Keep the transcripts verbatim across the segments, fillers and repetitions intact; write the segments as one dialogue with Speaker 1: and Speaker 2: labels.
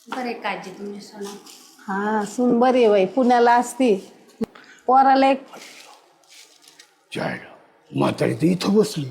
Speaker 1: बरे काळजी तुमची सोना.
Speaker 2: हा सून बरी आहे बाई, पुण्याला असती. पोराला एक
Speaker 3: जायला म्हातारी तर इथं बसली.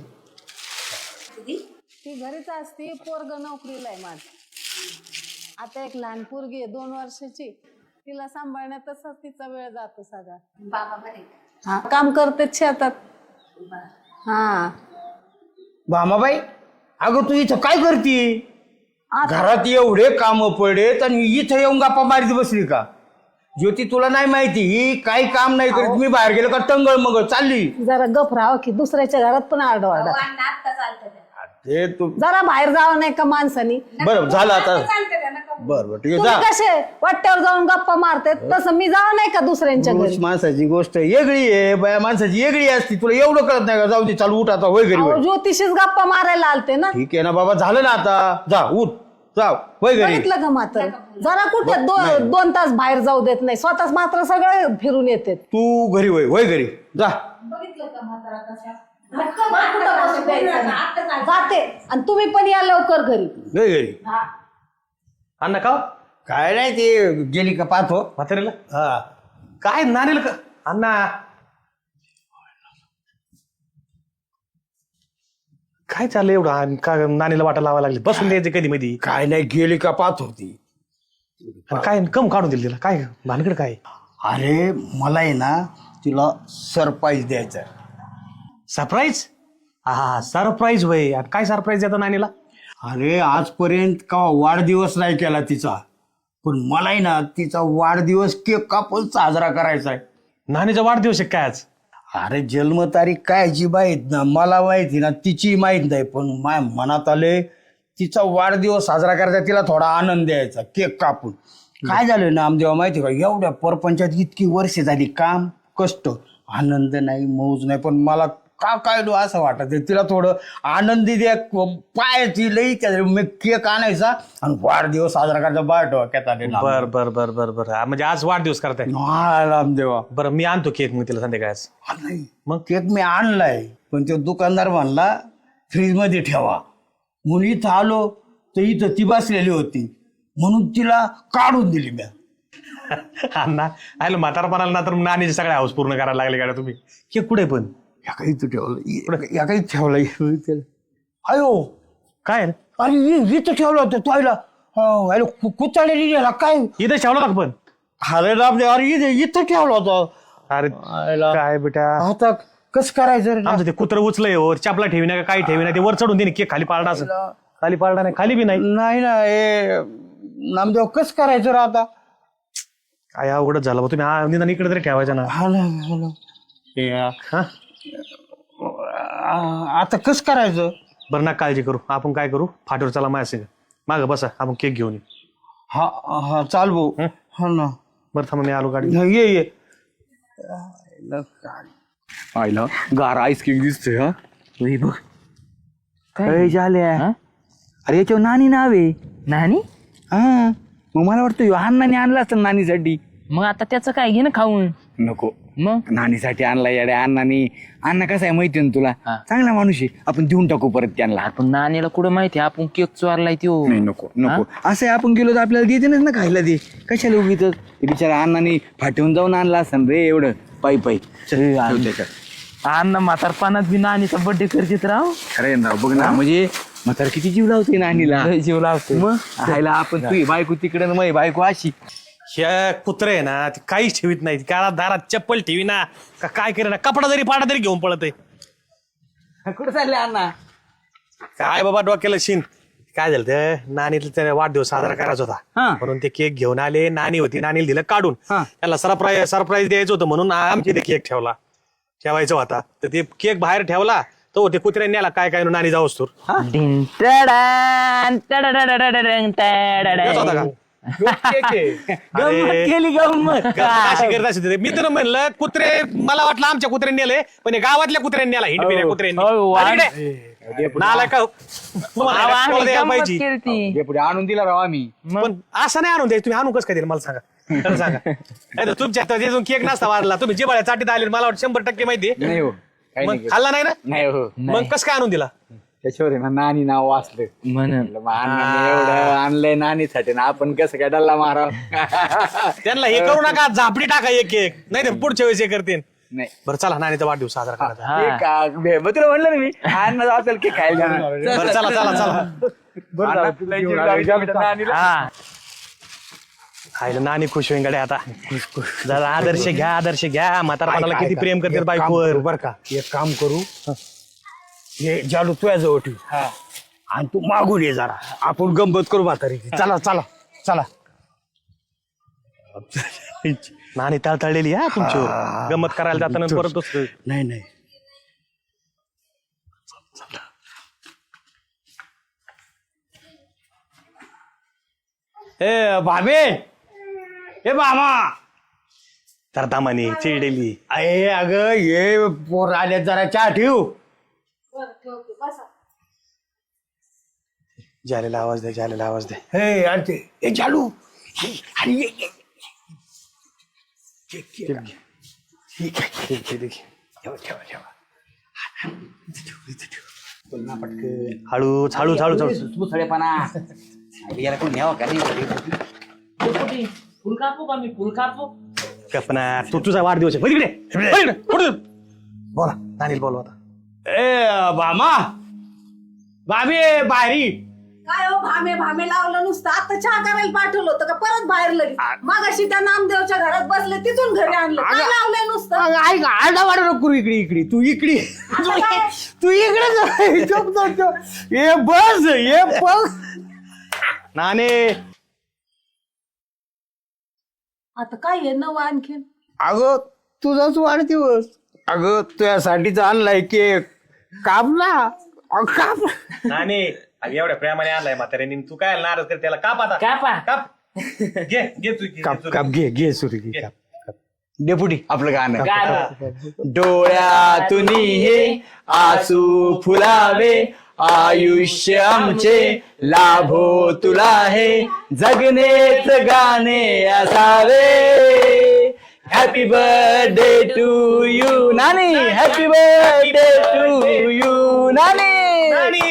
Speaker 2: ती घरीच असती, पोरग नोकरीला आहे माझ. आता एक लहान पोरगी आहे दोन वर्षाची, तिला सांभाळण्यातच तिचा वेळ जातो सगळा.
Speaker 1: बाबा बरे.
Speaker 2: हा काम करते शेतात. हा
Speaker 3: भामाबाई, अगं तू इथं काय करती?
Speaker 2: आता-
Speaker 3: घरात एवढे काम पडेत आणि इथं येऊन गप्पा मारीत बसली का? ज्योती तुला नाही माहिती ही काही काम नाही करीत. मी बाहेर गेलो का टंगळ मग चालली.
Speaker 2: जरा गप राहावं की दुसऱ्याच्या घरात पण आरडाओरडा.
Speaker 1: आता चालतं त्या.
Speaker 3: ते तू
Speaker 2: जरा बाहेर जावं नाही का माणसानी?
Speaker 3: बरं झालं आता.
Speaker 1: चालतं त्या नका.
Speaker 3: बर बर ठीक आहे
Speaker 2: तुम्ही
Speaker 3: जा.
Speaker 2: कसे वाट्यावर जाऊन गप्पा मारते तसं मी जावं नाही का दुसऱ्यांच्या घरी?
Speaker 3: पुरुष माणसाची गोष्ट वेगळी आहे, बाया माणसाची वेगळी असती. तुला एवढं कळत नाही का? जाऊ दे, चालू उठ आता, होय घरी
Speaker 2: अहो,
Speaker 3: होय.
Speaker 2: ज्योतिषीच गप्पा मारायला आलते ना.
Speaker 3: ठीक आहे ना बाबा, झालं ना आता. जा उठ, जाव होय घरी.
Speaker 2: बघितलं का मात्र जरा कुठे दो- दोन तास बाहेर जाऊ देत नाही, स्वतःच मात्र सगळे फिरून येते.
Speaker 3: तू घरी होय, होय घरी जा.
Speaker 1: बघितलं का म्हातारा कशा?
Speaker 2: जाते आणि तुम्ही पण या लवकर घरी.
Speaker 3: होय घरी.
Speaker 4: अण्णा का
Speaker 3: काय नाही, ते गेली का पाहतो.
Speaker 4: म्हातारीला
Speaker 3: हा
Speaker 4: काय नानीला का अण्णा काय चाललंय एवढं आणि का नानीला वाटा लावायला लागली? बसून द्यायचे कधी मध्ये
Speaker 3: काय नाही, गेली का पाहतो ती.
Speaker 4: काय कम काढून दिली तिला काय भानगड काय?
Speaker 3: अरे मला आहे ना तिला सरप्राईज द्यायचा.
Speaker 4: सरप्राईज? हा सरप्राईज होय. आणि काय सरप्राईज देतो नानीला?
Speaker 3: अरे आजपर्यंत का वाढदिवस नाही केला तिचा, पण मला आहे ना तिचा वाढदिवस केक कापून साजरा करायचा आहे.
Speaker 4: नानीचा वाढदिवस आहे काय आज?
Speaker 3: अरे जन्मतारीख काय जी माहीत ना, मला माहिती ना, तिची माहीत नाही, पण माझ्या मनात आले तिचा वाढदिवस साजरा करायचा, तिला थोडा आनंद द्यायचा केक कापून. काय झालं ना आमदेवा माहिती का, एवढ्या परपंचात इतकी वर्ष झाली, काम कष्ट, आनंद नाही, मौज नाही, पण मला का काय लो असं वाटत तिला थोडं आनंदी द्या, पायाची लई मी केक आणायचा आणि वाढदिवस साजरा करायचा. बाय डोक्यात आले ना.
Speaker 4: बर बर बर बर बर हा, म्हणजे आज वाढदिवस करताय?
Speaker 3: हा रामदेवा.
Speaker 4: बरं मी आणतो केक मग तिला संध्याकाळच.
Speaker 3: हा, नाही मग केक मी आणलाय, पण तो दुकानदार म्हणला फ्रीज मध्ये ठेवा. म्हणून इथं आलो तर इथं ती बसलेली होती, म्हणून तिला काढून दिली मी.
Speaker 4: अण्णा आलो म्हातारपणाला ना तर नानीचे सगळे हाऊस पूर्ण करायला लागले का तुम्ही? केक कुठे पण
Speaker 3: या काही इथं ठेवलं, या काही ठेवलं. अयो
Speaker 4: काय
Speaker 3: अरे इ- इथं ठेवलं होतं तोयला कुचाळलेली गेला काय.
Speaker 4: इथं ठेवलं का पण?
Speaker 3: अरे रामदेव, अरे इथं इथं ठेवलं होतं.
Speaker 4: अरे
Speaker 3: आयला.
Speaker 4: काय बेटा
Speaker 3: आता कसं करायचं रे?
Speaker 4: आमचं ते कुत्र उचलंय वर चापला ठेवी ना काही ठेवी ना ते वर चढून दे केक खाली पाळला असं. खाली पाळला नाही, खाली बी नाही.
Speaker 3: नाही ना हे नामदेव कसं करायचं रे आता?
Speaker 4: काय अवघडच झालं बा. तुम्ही हा निदान इकडे तरी ठेवायचं ना.
Speaker 3: हा ना, हा ना. हे,
Speaker 4: हा
Speaker 3: आ- आता कसं करायचं?
Speaker 4: बरं ना काळजी करू, आपण काय करू फाटीवर चला माझ्या संग मागं बसा, आपण केक घेऊन येऊ.
Speaker 3: हा हा चाल भाऊ.
Speaker 4: हं?
Speaker 3: हा ना.
Speaker 4: बरं थांबा मी आलो गाडी.
Speaker 3: हा, ये ये.
Speaker 5: आईला गार आईस केक दिसतोय. हा बघ काय झाल्या. अरे याच्यावर नानी नाव आहे.
Speaker 6: नानी?
Speaker 5: हा मग मला वाटतं ह्यो अण्णाने आणला असतं नानीसाठी.
Speaker 6: मग आता त्याचं काय घे ना खाऊन.
Speaker 5: नको,
Speaker 6: मग
Speaker 5: नानीसाठी आणला येड्या अण्णाने. अण्णा कसा आहे माहिती ना तुला,
Speaker 6: हा.
Speaker 5: चांगला माणूस आहे. आपण देऊन टाकू परत त्यांना.
Speaker 6: आपण नानीला कुठं माहिती आपण केक चोरलाय त्यो.
Speaker 5: नाही नको नको, असं आहे आपण गेलो तर आपल्याला देते ना खायला. ते कशाला उगीच ते बिचारा अण्णाने फाटून जाऊन आणला असं रे एवढं पायी पायी.
Speaker 6: अण्णा म्हातारपणात बी नानीचा बर्थडे करतेत राव.
Speaker 5: खरं ना, बघ ना, म्हणजे म्हातारा किती जीव लावते नानीला.
Speaker 6: लय जीव लावतो.
Speaker 5: मग खायला आपण तुझी बायको तिकडे ना माझी बायको अशी.
Speaker 4: ह्या कुत्रे आहे ना ती काहीच ठेवीत नाही. काळा दारात चप्पल ठेवी ना का काय करे ना, कपडा जरी पाडा तरी घेऊन पळत आहे.
Speaker 5: कुठं चालले अण्णा?
Speaker 4: काय बाबा डोक्याला शिन. काय झालं ते नानीला त्याने वाढदिवस साजरा करायचा होता,
Speaker 5: हा.
Speaker 4: म्हणून ते केक घेऊन आले. नानी होती, नानीला दिलं काढून.
Speaker 5: हा.
Speaker 4: त्याला सरप्राईज सरप्राईज द्यायचं होतं म्हणून आमची ते केक ठेवला ठेवायचा होता. तर ते केक बाहेर ठेवला तो ते कुत्र्याने नेला काय काय नानी जाऊस तर.
Speaker 6: डिन टडान, टडाडाडाडाडाडन, टडाडा.
Speaker 4: येत होता का?
Speaker 5: गंमत केली गंमत.
Speaker 4: अशी करत असेल ते. मी तर म्हणलं कुत्रे, मला वाटलं आमच्या कुत्र्याने नेले, पण हे गावातल्या कुत्र्याने नेला. हिंडपिऱ्या
Speaker 6: हो,
Speaker 4: कुत्र्याने.
Speaker 6: वा-
Speaker 4: अरे इकडे. नालायक का? तुम्हाला
Speaker 6: अहो,
Speaker 4: कोणाला
Speaker 6: आम्ही
Speaker 4: द्यायला
Speaker 6: गंमत
Speaker 4: पाहिजे.
Speaker 6: केलती.
Speaker 5: हे पुढे आणून दिला राव आम्ही.
Speaker 4: पण असं नाही आणून द्यायचं. तुम्ही आणून कसं काय दिलं मला सांगा. खरं सांगा. नाही तर तुमच्या त्याच्यातून केक नसता वाढला. तुम्ही जे बळ्या चाटीत आले मला वाटतं शंभर टक्के माहिती
Speaker 5: नाही हो, काही
Speaker 4: मग
Speaker 5: नाही.
Speaker 4: खाल्ला नाही ना,
Speaker 5: नाही हो.
Speaker 4: मग कसं काय आणून दिला?
Speaker 5: त्याच्यावर आहे ना नानी नाव वाचलं
Speaker 6: म्हणून
Speaker 5: म्हणलं, मग अण्णाने एवढं आणलंय नानीसाठी ना आपण कसं काय डल्ला माराव
Speaker 4: त्यांना हे करू नका झापडी टाका एक एक नाही तर पुढच्या वेळेस हे करतील
Speaker 5: नाही
Speaker 4: बरं चला नानीचा वाढदिवस साजरा करायचा
Speaker 6: हा.
Speaker 5: केक का- बे- मग तुला म्हणलं ना मी अण्णा असेल की खायला जाणार.
Speaker 4: बरं चला चला चला
Speaker 5: अण्णा तुला जीव लावायचा आमच्या नानीला.
Speaker 6: हा
Speaker 4: खायला नानी खुश होईन गड्या आता जरा आदर्श घ्या आदर्श घ्या म्हातारपणाला किती प्रेम करतात बायकोवर
Speaker 3: बर का एक काम करू हे जालू तुझ्या जवळ ठेव आणि तू मागून ये जरा आपण गंमत करू म्हातारी चला चला चला
Speaker 4: नानी तळतळलेली हा तुमच्यावर गमत करायला जाताना परत दुसरं.
Speaker 3: नाही नाही ए भाबे ए मामा
Speaker 4: तर दामाने चिडलेली
Speaker 3: अरे अगं ये पोर आले जरा चहा ठेव
Speaker 1: बरं ठेवते बसा.
Speaker 4: जालेला आवाज द्या जालेला आवाज द्या
Speaker 3: हे अरे ते ए जालू हे, अरे ये, ये. ये, ये, ये. हे, घे, घे, घे, घे. ठेवा ठेवा ठेवा इथं ठेव, इथं ठेव. बोल ना पटकन
Speaker 4: हळूच हळूच हळूच हळूच
Speaker 5: मुसळेपणा याला कोण न्यावं का नाही
Speaker 6: फुल कापू का मी फुल कापू
Speaker 4: कल्पना तू तुझा वाढदिवस आहे वळ इकडे, वळ इकडे, पुढे. बोला नानील बोलवा आता
Speaker 3: ए मामा बाबे बाहेरी
Speaker 1: काय हो भामे भामे लावलं नुसतं आता चहा करायला पाठवलं होतं का परत बाहेर लगेच मागाशी त्या नामदेवच्या घरात बसले तिथून घरी आणलं काय लावलंय नुसतं
Speaker 3: अगं, ऐक आरडा वाडा नको करू इकडे इकडे तू इकडे
Speaker 1: काय?
Speaker 3: तू इकडे जा. झोप, झोप, झोप. ये बस ये बस
Speaker 4: नाने
Speaker 1: आता काय आहे नवं आणखीन
Speaker 3: अगं तुझाच वाढदिवस अगं तुझ्यासाठीच आणलाय केक काप ना अगं, काप
Speaker 4: नाने अगं एवढ्या प्रेमाने आणलाय म्हाताऱ्याने तू काय नाराज कर त्याला काप आता
Speaker 6: कापा.
Speaker 4: काप घे घे तू घे,
Speaker 3: काप
Speaker 4: घे,
Speaker 3: काप घे घे सुरी घे काप काप. डेपुटी
Speaker 5: आपलं गाणं
Speaker 6: गाणं.
Speaker 5: डोळ्यातून हे आसू फुलावे आयुष्य आमचे लाभो तुला हे जगनेच गाणे असावे हॅपी बर्थडे टू यू नानी हॅपी बर्थडे टू यू नानी
Speaker 4: नानी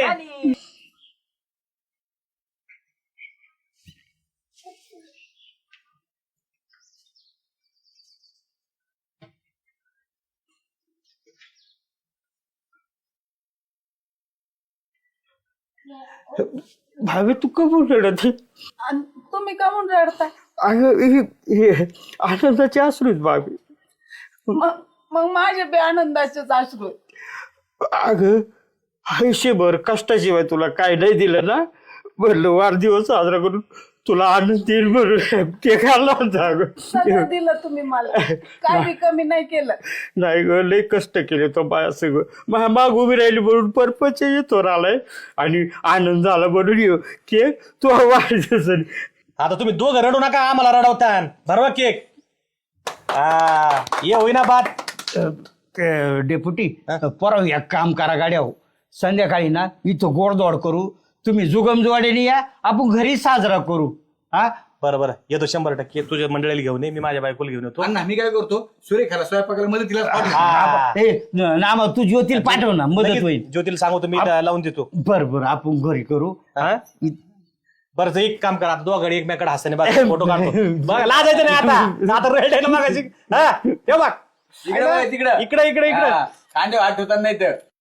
Speaker 3: भावे तू कमून रडत
Speaker 1: आणि तुम्ही का म्हणून रडताय
Speaker 3: अगं हे- हे आनंदाचे अश्रूच भावे
Speaker 1: मग मग माझे बे आनंदाचेच अश्रू आहेत.
Speaker 3: अगं आयुष्यभर कष्टाशिवाय तुला काय नाही दिलं ना म्हणलं वाढदिवस साजरा करून तुला आनंद येईल म्हणून ते खाल्ला होता अगं
Speaker 1: सगळं दिलं तुम्ही मला काय बी कमी नाही केलं
Speaker 3: नाही ग लय कष्ट केले तो बाया सगळं मा माग उभी राहिली म्हणून परपच येतो आलाय आणि आनंद झाला म्हणून येऊ केक तो वाढदिवस
Speaker 4: आता तुम्ही दोघं रडू नका आम्हाला रडवतान भरवा केक हा ये होईना बात
Speaker 3: डेप्युटी परवा एक काम करा गाड्या हो संध्याकाळी ना इथं गोडदोड करू तुम्ही जुगमजुवाडीने या आपण घरी साजरा करू हा
Speaker 4: बरं बरं येतो शंभर टक्के तुझ्या मंडळीला घेऊन ये मी माझ्या बायकोला घेऊन येतो
Speaker 5: अण्णा मी काय करतो सुरेखाला स्वयंपाकाला मदतीला
Speaker 4: हा.
Speaker 3: ए नामा तू ज्योतील पाठव ना मदत
Speaker 4: लगेच
Speaker 3: होईल
Speaker 4: ज्योतीला सांगतो मी लावून देतो
Speaker 3: बर बर आपण घरी करू
Speaker 4: हा बरं तर एक काम करा आता दोघांनी एकमेकडे हसताना बघ फोटो काढतो बघ लाजायचं नाही आता आता रेड मागायची हा ठेव बघ
Speaker 5: तिकडे
Speaker 4: इकडे इकडे इकडे
Speaker 5: कांदे वाट होतात नाही तर